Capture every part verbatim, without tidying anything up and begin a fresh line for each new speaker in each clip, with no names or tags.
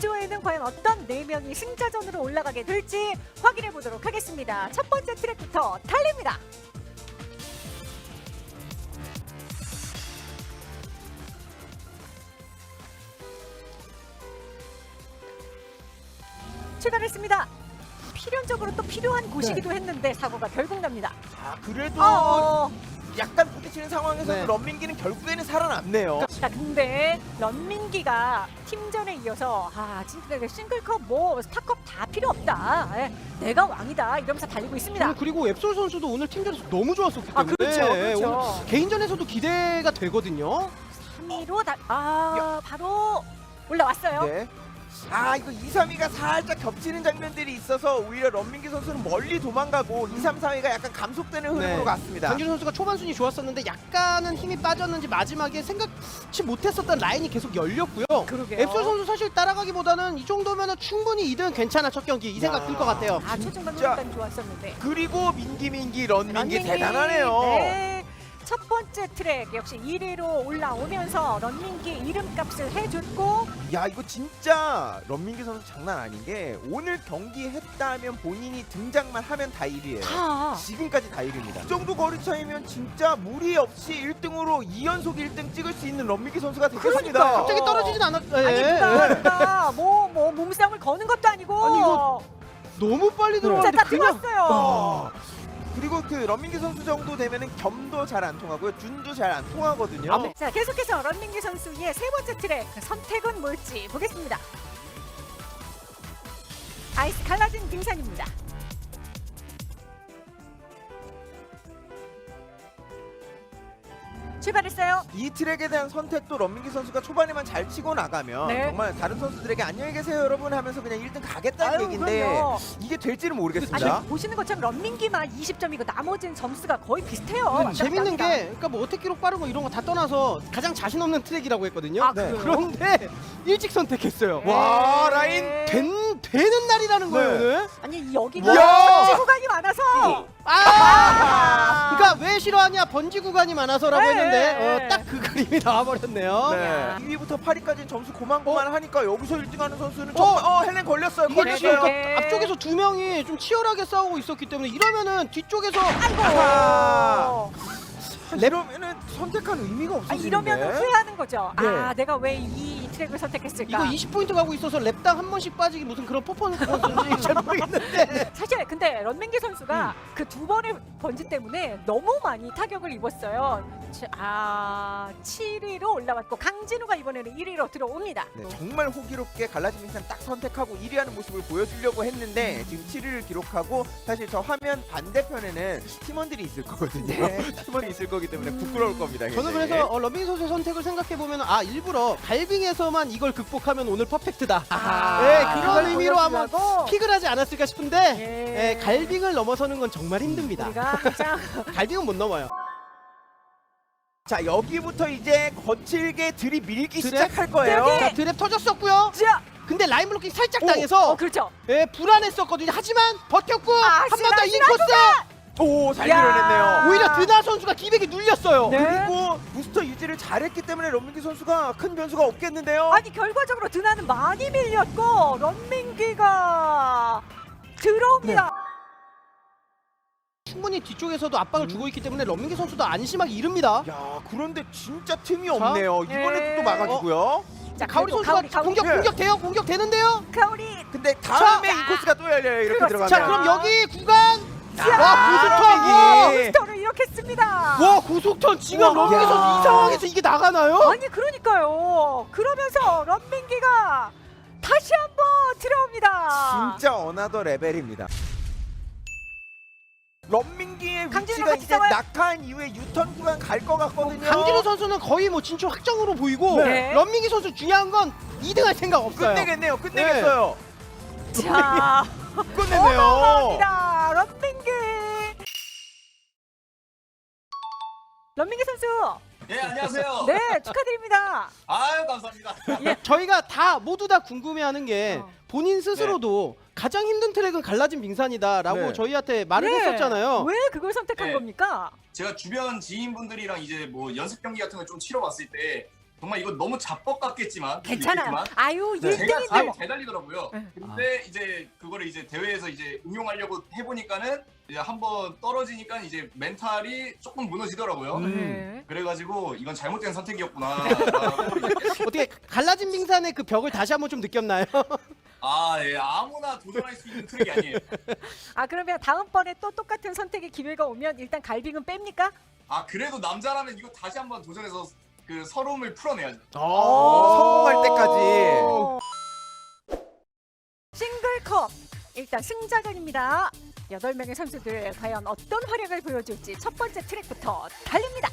B조에는 과연 어떤 네 명이 승자전으로 올라가게 될지 확인해 보도록 하겠습니다. 첫 번째 트랙부터 달립니다. 출발했습니다. 필연적으로 또 필요한 곳이기도
네.
했는데 사고가 결국 납니다.
아, 그래도
어,
약간 부딪히는 상황에서
네.
런민기는 결국에는 살아남네요.
자, 근데 런민기가 팀전에 이어서 아 진짜 싱글컵 뭐 스타컵 다 필요 없다. 예, 내가 왕이다 이러면서 달리고 있습니다.
저는 그리고 앱솔 선수도 오늘 팀전에서 너무 좋았었기 때문에
아 그렇죠,
예,
그렇죠.
오늘 개인전에서도 기대가 되거든요.
삼 위로 다, 아 바로 올라왔어요.
네. 아, 이거 이, 삼 위가 살짝 겹치는 장면들이 있어서 오히려 런민기 선수는 멀리 도망가고 이, 삼, 사 위가 약간 감속되는 흐름으로
네.
갔습니다.
강준 선수가 초반 순위 좋았었는데 약간은 힘이 빠졌는지 마지막에 생각치 못했었던 라인이 계속 열렸고요.
그러게요.
앱솔 선수 사실 따라가기보다는 이 정도면 충분히 이 등 괜찮아 첫 경기 이 생각
야.
들 것 같아요.
아 초중반
진짜.
후반까지 좋았었는데.
그리고 민기 민기 런민기
런민기,
대단하네요.
네. 첫 번째 트랙 역시 일 위로 올라오면서 런민기 이름값을 해줬고
야, 이거 진짜 런민기 선수 장난 아닌 게 오늘 경기 했다면 본인이 등장만 하면 다 일 위예요.
다
지금까지 다 일 위입니다. 이 정도 거리 차이면 진짜 무리 없이 일 등으로 이 연속 일 등 찍을 수 있는 런민기 선수가 되겠습니다.
그러니까요.
갑자기 떨어지진 않았.
아니
예.
누가 누가 뭐뭐 몸싸움을 거는 것도 아니고
아니, 이거 너무 빨리
자,
들어갔는데
다
그냥
들어왔어요.
아, 그리고 그 런민기 선수 정도 되면은 겸도 잘 안 통하고요. 준도 잘 안 통하거든요.
아,
자 계속해서 런민기 선수의 세 번째 트랙 선택은 뭘지 보겠습니다. 아이스 갈라진 등산입니다. 출발했어요.
이 트랙에 대한 선택도 런민기 선수가 초반에만 잘 치고 나가면
네.
정말 다른 선수들에게 안녕히 계세요 여러분 하면서 그냥 일 등 가겠다는
아유,
얘기인데
그럼요.
이게 될지는
아니
모르겠습니다.
보시는 것처럼 런민기만 이십 점이고 나머지는 점수가 거의 비슷해요.
음,
왔다
재밌는
갔다
게
합니다.
그러니까 뭐 어택 기록 빠른 거 이런 거 다 떠나서 가장 자신 없는 트랙이라고 했거든요.
아,
네.
그래요?
그런데 일찍 선택했어요.
네.
와, 라인
된, 되는 날이라는 거예요
네.
오늘.
아니 여기가
이야!
번지 구간이 많아서
아! 그러니까 왜 싫어하냐 번지 구간이 많아서라고
네.
했는데 어, 딱 그 그림이 나와버렸네요.
네. 이 위부터 팔 위까지는 점수 고만고만 하니까 여기서 일 등 하는 선수는
어?
정말 어, 헬렌 걸렸어요.
이게
걸렸어요.
지금
네.
그러니까 앞쪽에서 두 명이 좀 치열하게 싸우고 있었기 때문에 이러면은 뒤쪽에서
아하.
어.
이러면은 선택한 의미가
아,
없어지는데.
이러면 후회하는 거죠.
네.
아 내가 왜 이 트랙을 선택했을까?
이거 이십 포인트 가고 있어서 랩당 한 번씩 빠지기 무슨 그런 퍼포먼스인지 잘 모르겠는데
사실 근데 런민기 선수가
음.
그 두 번의 번지 때문에 너무 많이 타격을 입었어요. 치- 아 칠 위로 올라왔고 강진우가 이번에는 일 위로 들어옵니다.
네, 정말 호기롭게 갈라진 민상 딱 선택하고 일 위 하는 모습을 보여주려고 했는데 지금 칠 위를 기록하고 사실 저 화면 반대편에는 팀원들이 있을 거거든요.
네.
팀원이 있을 거기 때문에 부끄러울 겁니다.
저는
굉장히.
그래서 어, 런민 선수의 선택을 생각해보면 아 일부러 갈빙에서만 이걸 극복하면 오늘 퍼펙트다.
아하.
네, 그런
그걸
의미로 아마
보여주려고
픽을 하지 않았을까 싶은데
예.
예, 갈빙을 넘어서는 건 정말 힘듭니다.
우리가 항상
갈빙은 못 넘어요.
자, 여기부터 이제 거칠게 들이밀기
드랩?
시작할 거예요.
여기!
자 드랩 터졌었고요.
자,
근데 라인 블로킹 살짝
오!
당해서
어 그렇죠.
예, 불안했었거든요. 하지만 버텼고
아,
한 번 더
시라,
인코스
오, 잘
야.
밀어냈네요.
오히려 드나 선수가 기백이 눌렸어요.
네.
그리고 부스터 유지를 잘했기 때문에 런민기 선수가 큰 변수가 없겠는데요.
아니 결과적으로 드나는 많이 밀렸고 런민기가 들어옵니다.
충분히 뒤쪽에서도 압박을 주고 있기 때문에 런민기 선수도 안심하기 이릅니다.
야, 그런데 진짜 틈이 없네요. 이번에도
예.
또 막아주고요.
자,
가오리
그래도
선수가
가오리, 가오리.
공격
예.
공격 돼요? 공격 되는데요?
가오리.
근데 다음에
자.
인코스가 또 열려요. 이렇게
그렇습니다.
들어가면.
자 그럼 여기 구간
야,
와 고속턴 와,
런민기.
부스터를 이렇게 씁니다.
와 고속턴 지금
와.
런민기 선수 이 상황에서 이게 나가나요?
아니 그러니까요. 그러면서 런민기가 다시 한번 들어옵니다.
진짜 어나더 레벨입니다. 런민기의
강진우랑
위치가
같이
이제
싸워요?
낙하한 이후에 유턴 구간 갈 것 같거든요.
강진우 선수는 거의 뭐 진출 확정으로 보이고
네.
런민기 선수 중요한 건 이 등 할 생각 없어요.
끝내겠네요. 끝내겠어요.
자,
끝내네요.
어마어마합니다. 런민기. 런민기 선수.
예, 안녕하세요.
네, 축하드립니다.
아유, 감사합니다.
저희가 다 모두 다 궁금해하는 게
어.
본인 스스로도 가장 힘든 트랙은 갈라진 빙산이다라고
네.
저희한테 말을
네.
했었잖아요.
왜 그걸 선택한
네.
겁니까?
제가 주변 지인분들이랑 이제 뭐 연습 경기 같은 걸 좀 치러봤을 때 정말 이거 너무 자뻑 같겠지만
괜찮아요.
있겠지만
아유
네.
제가
일 등인데
잘,
뭐.
잘 달리더라고요.
네.
근데 이제 그거를 이제 대회에서 이제 응용하려고 해보니까는 이제 한번 떨어지니까 이제 멘탈이 조금 무너지더라고요.
음.
네.
그래가지고 이건 잘못된 선택이었구나.
어떻게 갈라진 빙산의 그 벽을 다시 한번 좀 느꼈나요?
아, 예, 아무나 도전할 수 있는 트랙이 아니에요.
아 그러면 다음번에 또 똑같은 선택의 기회가 오면 일단 갈빙은 뺍니까?
아, 그래도 남자라면 이거 다시 한번 도전해서 그 서러움을 풀어내야죠.
성공할 때까지.
오. 싱글컵 일단 승자전입니다. 여덟 명의 선수들 과연 어떤 활약을 보여줄지 첫 번째 트랙부터 달립니다.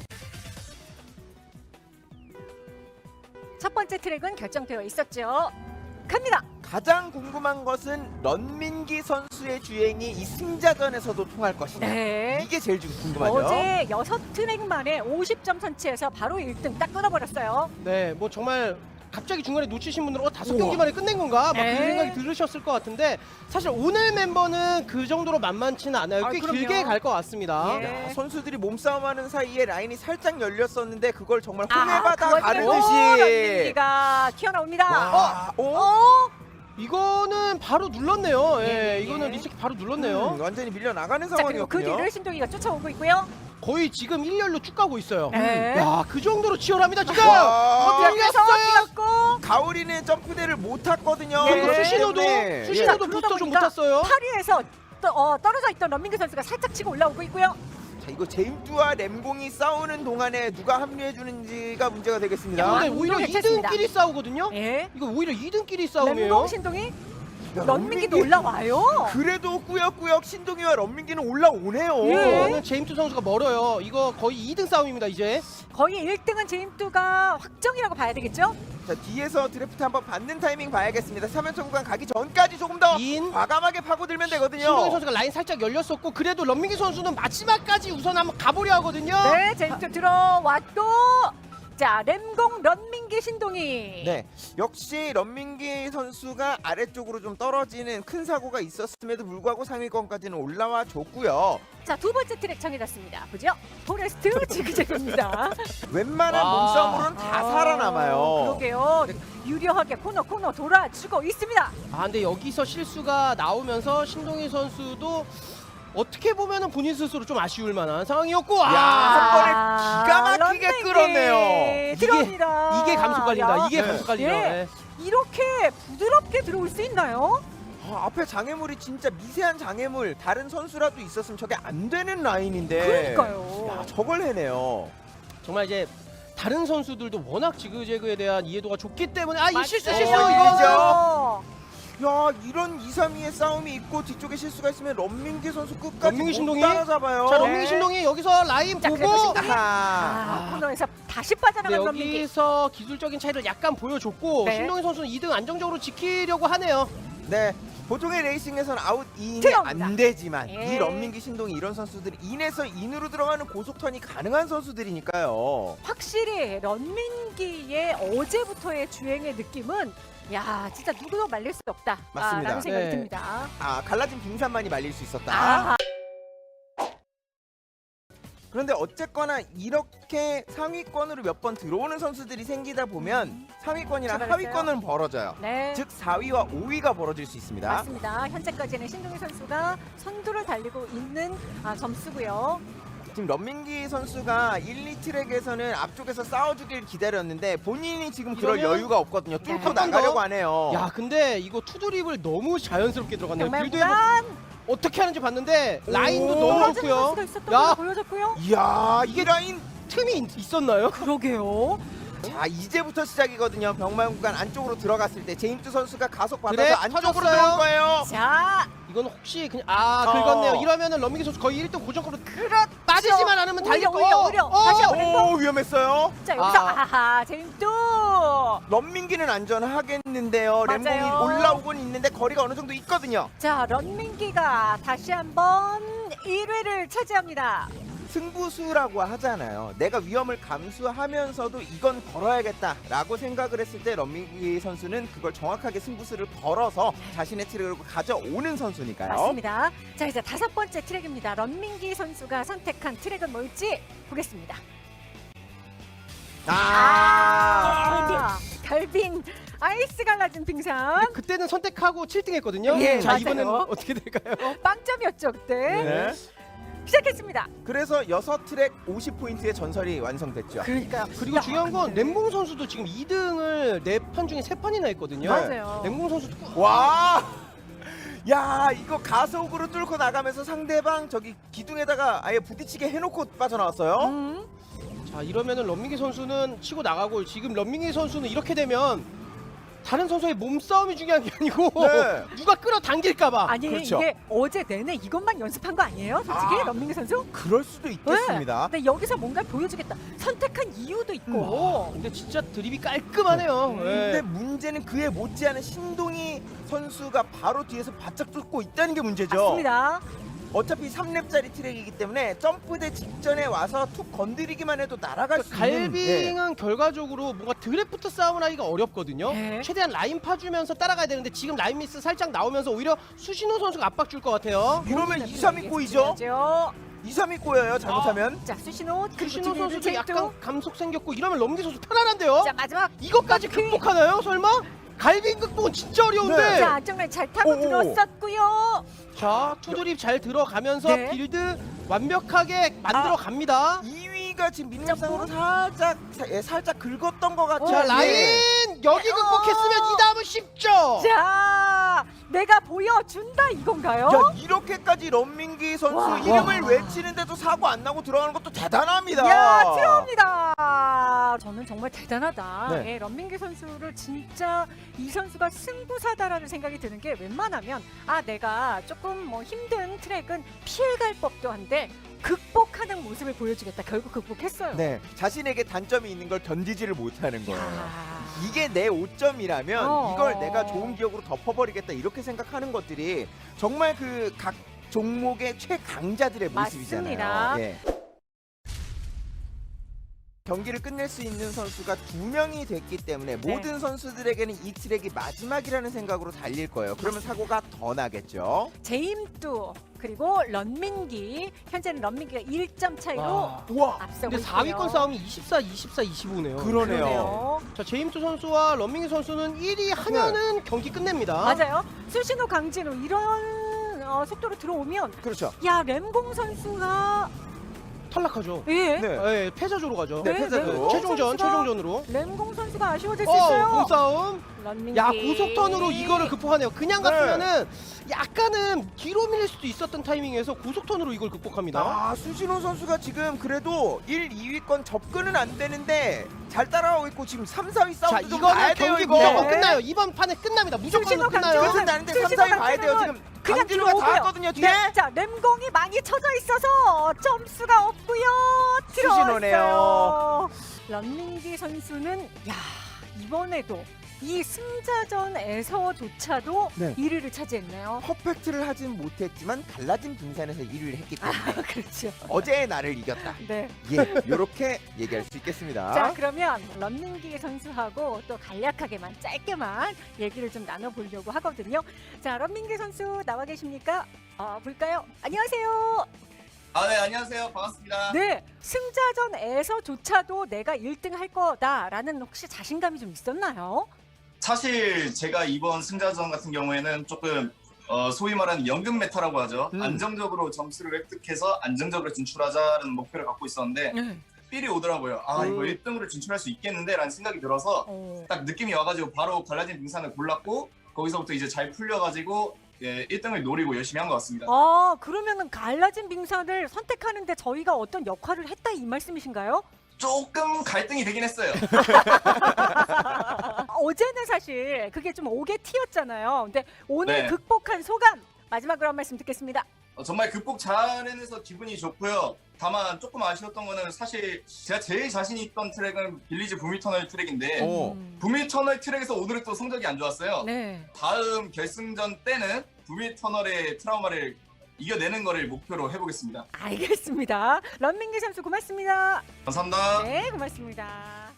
첫 번째 트랙은 결정되어 있었죠. 갑니다.
가장 궁금한 것은 런민기 선수의 주행이 이 승자전에서도 통할 것이냐.
네.
이게 제일 좀 궁금하죠.
어제 여섯 트랙 만에 오십 점 선취해서 바로 일 등 딱 끊어버렸어요.
네, 뭐 정말 갑자기 중간에 놓치신 분들은 어, 다섯
우와.
경기 만에 끝낸 건가? 막
네.
그런 생각이 들으셨을 것 같은데 사실 오늘 멤버는 그 정도로 만만치는 않아요.
아,
꽤
그럼요.
길게 갈 것 같습니다.
예.
야, 선수들이 몸싸움하는 사이에 라인이 살짝 열렸었는데 그걸 정말
아,
홍해바다
그걸
가르듯이.
런민기가 튀어나옵니다.
와, 어?
어?
이거는 바로 눌렀네요. 예,
예, 예.
이거는 리스키 바로 눌렀네요.
음, 완전히 밀려 나가는
자 그리고 그
상황이었군요.
뒤를 신동이가 쫓아오고 있고요.
거의 지금 일렬로 쭉 가고 있어요.
네.
야, 그 정도로 치열합니다 지금.
와.
어,
그래서
밀렸어요.
뛰었고
가오리는 점프대를 못 탔거든요.
예.
그리고
그렇기
수신호도
때문에.
수신호도
예.
부스터 좀 못
그러다
탔어요.
팔 위에서 또, 어, 떨어져 있던 런민기 선수가 살짝 치고 올라오고 있고요.
자, 이거 제임스와 램공이 싸우는 동안에 누가 합류해 주는지가 문제가 되겠습니다.
근데
아,
오히려
괜찮습니다.
이 등끼리 싸우거든요.
예.
이거 오히려 이 등끼리 싸움이에요.
램공 신동이
야,
런민기도
런민기-
올라와요.
그래도 꾸역꾸역 신동이와 런민기는 올라오네요.
예.
이거는 제임스 선수가 멀어요. 이거 거의 이 등 싸움입니다 이제.
거의 일 등은 제임스가 확정이라고 봐야 되겠죠?
자, 뒤에서 드래프트 한번 받는 타이밍 봐야겠습니다. 삼 연속 구간 가기 전까지 조금 더
인
과감하게 파고들면 되거든요.
신동희 선수가 라인 살짝 열렸었고 그래도 런민기 선수는 마지막까지 우선 한번 가보려 하거든요.
네, 제임스 들어왔고 자 램공 런민기 신동이
네, 역시 런민기 선수가 아래쪽으로 좀 떨어지는 큰 사고가 있었음에도 불구하고 상위권까지는 올라와 줬고요.
자 두 번째 트랙 정해졌습니다. 보죠? 포레스트 지그재그입니다.
웬만한
와.
몸싸움으로는 다
아,
살아남아요.
그러게요. 유려하게 코너 코너 돌아주고 있습니다.
아 근데 여기서 실수가 나오면서 신동희 선수도 어떻게 보면은 본인 스스로 좀 아쉬울 만한 상황이었고
야, 한 번에
아,
기가 막히게
런민기
끌었네요.
들어옵니다.
이게 감속 관리다.
야,
이게
네.
감속 관리다.
예.
네.
이렇게 부드럽게 들어올 수 있나요?
아, 앞에 장애물이 진짜 미세한 장애물 다른 선수라도 있었으면 저게 안 되는 라인인데
그러니까요.
야, 저걸 해내요.
정말 이제 다른 선수들도 워낙 지그재그에 대한 이해도가 좋기 때문에 아 이 실수
맞아요.
실수
어,
이거.
야, 이런 이, 삼 위의 싸움이 있고 뒤쪽에 실수가 있으면 런민기 선수 끝까지
런민기
못
신동이?
따라잡아요.
자
네.
런민기 신동이 여기서 라인
자,
보고
그래도 신동이-
아하.
아, 코너에서 다시
네,
빠져나간 런민기.
여기서 기술적인 차이를 약간 보여줬고
네.
신동희 선수는 이 등 안정적으로 지키려고 하네요.
네, 보통의 레이싱에서는 아웃 이인이
들어옵니다.
안 되지만
예.
이 런민기 신동이 이런 선수들이 인에서 인으로 들어가는 고속턴이 가능한 선수들이니까요.
확실히 런민기의 어제부터의 주행의 느낌은 야 진짜 누구도 말릴 수 없다.
맞습니다.
라는 생각이
네.
듭니다.
아, 갈라진 빙산만이 말릴 수 있었다.
아,
그런데 어쨌거나 이렇게 상위권으로 몇 번 들어오는 선수들이 생기다 보면 상위권이랑
출발했어요?
하위권은 벌어져요.
네.
즉 사 위와 오 위가 벌어질 수 있습니다.
맞습니다. 현재까지는 신동희 선수가 선두를 달리고 있는 아, 점수고요.
지금 런민기 선수가 일, 이 트랙에서는 앞쪽에서 싸워주길 기다렸는데 본인이 지금 그럴
이러면-
여유가 없거든요. 뚫고
네.
한번 더?
나가려고 하네요.
야 근데 이거 투드립을 너무 자연스럽게 들어갔네요.
정말
빌드에 뭐
무난
어떻게 하는지 봤는데
오.
라인도 너무
떨어지는
좋고요.
선수가 있었던
야.
걸로 보여졌고요.
이야, 이게 라인.
틈이 있- 있었나요?
그러게요.
자, 이제부터 시작이거든요. 병만 구간 안쪽으로 들어갔을 때 제임스 선수가 가속 받아서
그래,
안쪽으로
터졌어요.
들어올 거예요.
자,
이건 혹시 그냥 아
어.
긁었네요. 이러면은 런민기 선수 거의 일 등 고정으로
그렇죠.
빠지지만 않으면
오히려,
달릴 거.
오히려, 오히려. 다시 한번.
오, 위험했어요.
자 여기서
아.
아하 제임스.
런민기는 안전하겠는데요.
맞아요.
램공이 올라오곤 있는데 거리가 어느 정도 있거든요.
자 런민기가 다시 한번 일 위를 차지합니다.
승부수라고 하잖아요. 내가 위험을 감수하면서도 이건 걸어야겠다라고 생각을 했을 때 런민기 선수는 그걸 정확하게 승부수를 걸어서 자신의 트랙을 가져오는 선수니까요.
맞습니다. 자 이제 다섯 번째 트랙입니다. 런민기 선수가 선택한 트랙은 뭘지 보겠습니다.
아,
아, 갈빙 아이스 갈라진 빙상.
근데 그때는 선택하고 칠 등 했거든요.
예,
자,
맞아요.
이번엔 어떻게 될까요?
빵점이었죠 그때.
네.
시작했습니다.
그래서 여섯 트랙 오십 포인트의 전설이 완성됐죠.
그러니까
그리고 중요한 건 램봉 선수도 지금 이 등을 네 판 중에 세 판이나 했거든요.
맞아요.
램봉 선수도
와, 야 이거 가속으로 뚫고 나가면서 상대방 저기 기둥에다가 아예 부딪히게 해놓고 빠져나왔어요.
음.
자, 이러면은 런민기 선수는 치고 나가고, 지금 런민기 선수는 이렇게 되면 다른 선수의 몸싸움이 중요한 게 아니고
네.
누가 끌어당길까봐.
아니
그렇죠.
이게 어제 내내 이것만 연습한 거 아니에요? 솔직히
아.
런민기 선수?
그럴 수도 있겠습니다.
네. 근데 여기서 뭔가 보여주겠다. 선택한 이유도 있고.
근데 진짜 드립이 깔끔하네요. 예.
근데 문제는 그에 못지않은 신동희 선수가 바로 뒤에서 바짝 뚫고 있다는 게 문제죠.
맞습니다.
어차피 삼 렙짜리 트랙이기 때문에 점프대 직전에 와서 툭 건드리기만 해도 날아갈 수 있는. 네.
갈빙은 결과적으로 뭔가 드래프트 싸움을 하기가 어렵거든요.
네.
최대한 라인 파주면서 따라가야 되는데 지금 라인 미스 살짝 나오면서 오히려 수신호 선수가 압박 줄 것 같아요.
이러면 이, 삼이 꼬이죠?
꼬이죠.
이, 삼이 꼬여요 잘못하면.
자 수신호 그리고
수신호
뒤에는
선수도
제이투.
약간 감속 생겼고, 이러면 럼기 선수 편안한데요?
자 마지막.
이것까지
바퀴.
극복하나요 설마? 갈빙 극복은 진짜 어려운데.
네.
자 안정라인 잘 타고
오오.
들어섰고요.
자, 투드립 잘 들어가면서
네.
빌드 완벽하게 만들어 갑니다.
이 위가 지금 민낯상으로 살짝 사- 예, 살짝 긁었던 것 같죠.
자,
예.
라인 여기 극복했으면 이 다음은 쉽죠.
자 내가 보여준다 이건가요?
야 이렇게까지 런민기 선수
와.
이름을
와.
외치는데도 사고 안 나고 들어가는 것도 대단합니다.
야 들어옵니다. 저는 정말 대단하다.
네.
예, 런민기 선수를 진짜 이 선수가 승부사다라는 생각이 드는 게, 웬만하면 아 내가 조금 뭐 힘든 트랙은 피해갈 법도 한데 극복하는 모습을 보여주겠다. 결국 극복했어요.
네, 자신에게 단점이 있는 걸 견디지를 못하는 거예요.
야.
이게 내 오점이라면
어.
이걸 내가 좋은 기억으로 덮어버리겠다 이렇게 생각하는 것들이 정말 그 각 종목의 최강자들의 모습이잖아요.
맞습니다.
예. 경기를 끝낼 수 있는 선수가 두 명이 됐기 때문에
네.
모든 선수들에게는 이 트랙이 마지막이라는 생각으로 달릴 거예요. 그러면 사고가 더 나겠죠.
제임뚜 그리고 런민기, 현재는 런민기가 일 점 차이로
와.
우와,
앞서고
근데
있고요.
사 위권 싸움이 이십사, 이십사, 이십오네요.
그러네요.
그러네요.
자, 제임스 선수와 런민기 선수는 일 위 하면은 경기 끝냅니다.
맞아요. 수신호 강진우 이런 어, 속도로 들어오면
그렇죠.
야 램공 선수가
탈락하죠.
예.
네.
예, 패자조로 가죠.
네,
네,
패자조.
램공
최종전,
선수가-
최종전으로.
램공 선수가 아쉬워질 수
어,
있어요.
공싸움.
런민기.
야, 고속턴으로 이거를 극복하네요. 그냥
네.
갔으면은 약간은 뒤로 밀릴 수도 있었던 타이밍에서 고속턴으로 이걸 극복합니다.
아, 수신호 선수가 지금 그래도 일, 이 위권 접근은 안 되는데 잘 따라가고 있고 지금 삼, 사 위
자,
싸움도 좀 봐야
이거는
돼요,
경기
이거.
무조건
네.
끝나요. 이번 판에 끝납니다. 무조건
수신호
끝나요.
강진우.
끝은 나는데 삼,
수신호
사 위 봐야 돼요.
강진우는
지금
그냥
강진우가 다
들어오고요.
왔거든요, 뒤에.
네, 자 램공이 많이 쳐져 있어서 점수가 없고요. 들어왔어요.
수신호네요.
런민기 선수는 야 이번에도 이 승자전에서조차도
네.
일 위를 차지했네요.
퍼펙트를 하진 못했지만 갈라진 빙산에서 일 위를 했기 때문에
그렇죠.
어제의 나를 이겼다.
네.
예, 이렇게 얘기할 수 있겠습니다.
자 그러면 런민기 선수하고 또 간략하게만 짧게만 얘기를 좀 나눠보려고 하거든요. 자 런민기 선수 나와 계십니까? 어, 볼까요? 안녕하세요.
아, 네, 안녕하세요. 반갑습니다.
네 승자전에서조차도 내가 일 등 할 거다라는 혹시 자신감이 좀 있었나요?
사실 제가 이번 승자전 같은 경우에는 조금 어, 소위 말하는 연금 메타라고 하죠.
음.
안정적으로 점수를 획득해서 안정적으로 진출하자는 목표를 갖고 있었는데
네.
삘이 오더라고요. 아, 이거
음.
일 등으로 진출할 수 있겠는데? 라는 생각이 들어서
어.
딱 느낌이 와가지고 바로 갈라진 빙산을 골랐고 거기서부터 이제 잘 풀려가지고 예, 일 등을 노리고 열심히 한 것 같습니다.
아 그러면은 갈라진 빙산을 선택하는데 저희가 어떤 역할을 했다 이 말씀이신가요?
조금 갈등이 되긴 했어요.
아, 어제는 사실 그게 좀 오게 튀었잖아요. 근데 오늘
네.
극복한 소감 마지막으로 한 말씀 듣겠습니다.
어, 정말 극복 잘 해내서 기분이 좋고요. 다만 조금 아쉬웠던 거는 사실 제가 제일 자신 있던 트랙은 빌리지 부미터널 트랙인데
오.
음.
부미터널 트랙에서 오늘은 또 성적이 안 좋았어요.
네.
다음 결승전 때는 부미터널의 트라우마를 이겨내는 거를 목표로 해보겠습니다.
알겠습니다. 런민기 선수 고맙습니다.
감사합니다.
네, 고맙습니다.